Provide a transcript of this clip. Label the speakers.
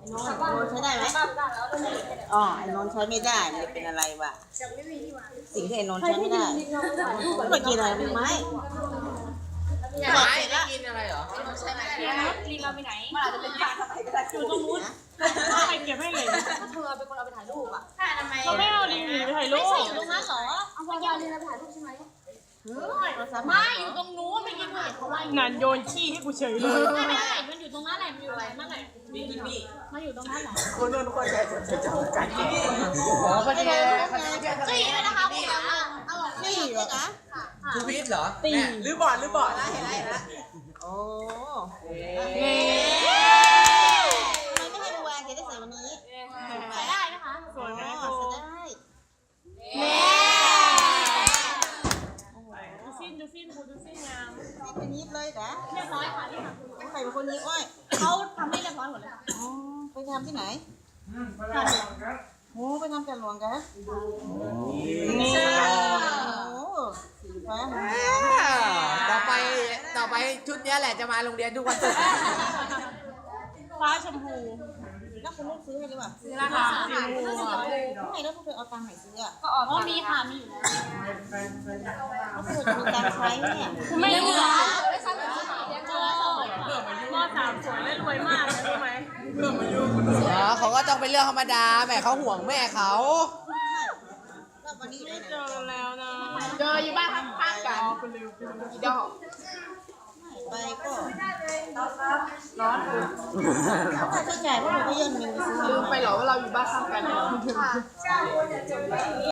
Speaker 1: โนนใช้ได้ไหมอ๋อไอ้นนใช้ไม่ได้มันจะเป็นอะไรวะสิ่งที่ไอ้นนใช้ไม่ได้ไม่กินอะไรเป็นไม้
Speaker 2: ไม่กินอะไรเหรอใช่ไหมลิงเราไปไหนมันอาจจะเป็นการทำอะไรก็ได้อยู่ตรงนู้นใครเก็บให้เลยเธอเป็นคนเอาไปถ่ายรูปอ่ะเราไม่เอาลิงไปถ่ายรูปไม่ใช่อยู่ตรงนั้นหรอเอาไปเอาลิงไปถ่ายรูปใช่ไหมไม่อยู่ตรงนู้นไม่กินเลยเขาว่านันโยนขี้ให้กูเฉยเลยไม่มันอยู่ตรงนั้นแหละมันอยู่อะไรนั่นแหละนี่มันอยู่ตรงนั้นแหละ
Speaker 3: คนนู้นคนใหญ่จะจับกันอ๋อพอดี
Speaker 2: ตีเลยนะคะคุณ
Speaker 1: นี่เหรอคะ
Speaker 3: ทูวิทเหรอตีหรือบอดนะเห็นแล้ว
Speaker 1: โอ้ทำไมไม่ให้วางจะได้ใส่วันนี้
Speaker 2: ใช้ได้นะคะ
Speaker 1: สวยไหมใส่ได้
Speaker 2: ดูสิ้นงาม
Speaker 1: เป็นยิบเลยนะ
Speaker 2: เรียบร้อยค่ะที่
Speaker 1: ใครเป็นคนยิบอ้อย
Speaker 2: เขาทำให้เรียบร้อยหมดเลย
Speaker 1: อ๋อไปทำที่ไหนโอ้ไปทำกันหลวงกันนี่โอ้สีฟ้า
Speaker 3: ต่อไปชุดนี้แหละจะมาโรงเรียนทุกวันศุกร์
Speaker 2: ฟ้าชมพู
Speaker 1: แล้วคุณลูกซื้อให้หรือเปล่า
Speaker 2: ซื้อแล้วค่ะ
Speaker 1: ทำไมแล้วพวกเธอเอาตังค์ไหนซื้ออ่ะ
Speaker 2: ก็ออกมีค่ะมีอยู่
Speaker 1: แล้วพวกเธอจะมีตังค์ใช้เนี่ย
Speaker 2: ไม่เหลือได้ซ้ำเลยม.3สวยและรวยมากเลยรู้ไหม
Speaker 3: เขาก็ต้องเป็นเรื่องธรรมดาแม่เขาห่วงแม่เขา
Speaker 1: แล้ววันนี้
Speaker 2: เจอแล้วนะ
Speaker 3: เจออยู่บ้านข้างๆกันกี่ดอก
Speaker 1: ไปก็ร้อนค่าใช้จ่ายพวกเราก็ย่นเงินไปซื้อ
Speaker 3: ลืมไปเหรอว่าเราอยู่บ้านข้างกัน